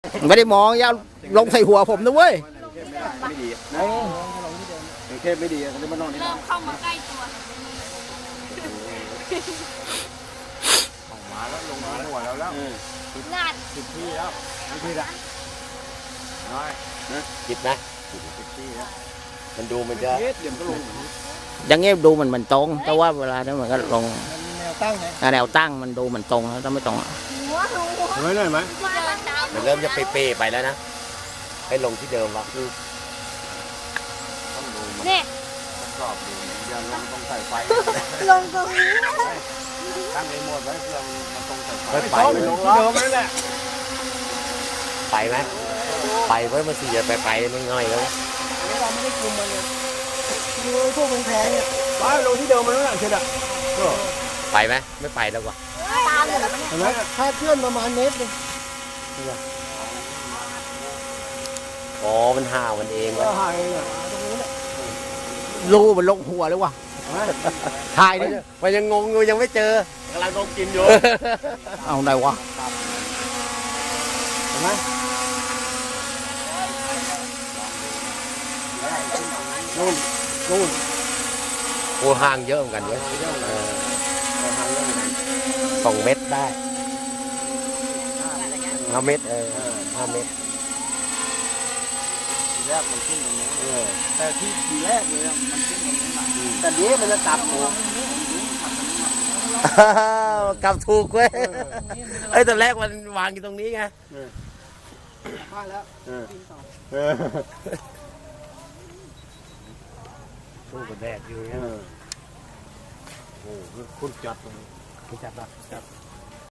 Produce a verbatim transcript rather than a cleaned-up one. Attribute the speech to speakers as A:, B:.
A: ไม่ได้มองอย่าลงใส่หัวผมนะเว้ย
B: ไม่ดีนะเทพไม่ดีเขาเลยมานอนนี่
C: เริ่มเข้ามาใกล้ตัว
B: ออกมาแล้วลงมาหัวแล้วแล้ว
C: งาน
B: สิบที่แล้วสิบที่ละน้อยนะ
D: จิบไหม
B: สิบที่แล้ว
D: มันดูมันจะ
B: เฮ็ดเดี๋ยวก็ลง
A: อย่างเงี้ยดูมันมันตรง แต่ว่าเวลานั้นมันก็ลง
B: แนวตั้งไง
A: แนวตั้งมันดูมันตรงแล้วถ้าไม่ตรง
C: หัวหัว
B: เห็นไหมหน่อยไหม
C: มาตอนเช้า
D: มันเริ่มจะเป๊ะๆไปแล้วนะให้ลงที่เดิมวะ
B: ต้องดูมัน
C: เนี่ย
B: กรอบดูอย่าลงต้องใส่ไฟ
C: ลงตรงนี้
B: ตั้งไอ้หมดไว้เพื่อมันตรงใส่ไฟ
D: ไม่ไป
B: ลงที่เดิมนั่นแหละ
D: ไปไหมไปเว้ยมันสี่จะไปไปไม่ง่อยแล้ว
B: เราไม่ได้คุมมันเลยดูพวกแพงๆเนี่ยไปลงที่เดิมมันนั่นแหละเชิดอ่ะ
D: ไปไหมไม่ไปแล้ววะ
C: ตามเลย
B: เห็นไหมถ้าเคลื่อนประมาณเมตรนึง
D: อ๋อมันห่าวมันเอง
B: ก็
D: วะ
B: หายเนี่ยตรงนี้แหละ
A: รูมันลงหัวเลยวะถ่ายดิ
D: มันยังงงอยู่ยังไม่เจอกำลังลงกินอยู่
A: เอาไหนวะ
B: เห็นไหมนู่นนู่น
D: โอ้ห่างเยอะเหมือนกันเว้ยเออสองเมตรได้ห้าเมตรเออห้าเมตร
B: ทีแรกมันขึ้นตรงนี้แต่ที่ทีแรกเลยมันขึ้นตรงนี้แต่นี้มันจะกลับหมู
D: กลับถูกเว้ยเอ้ยตอนแรกมันวางอยู่ตรงนี้ไง
B: มาแล้ว
D: สู้กับแดดอยู่เนี่ยโอ้โหคุณจัดตรงนี้คุณจัดปะจัด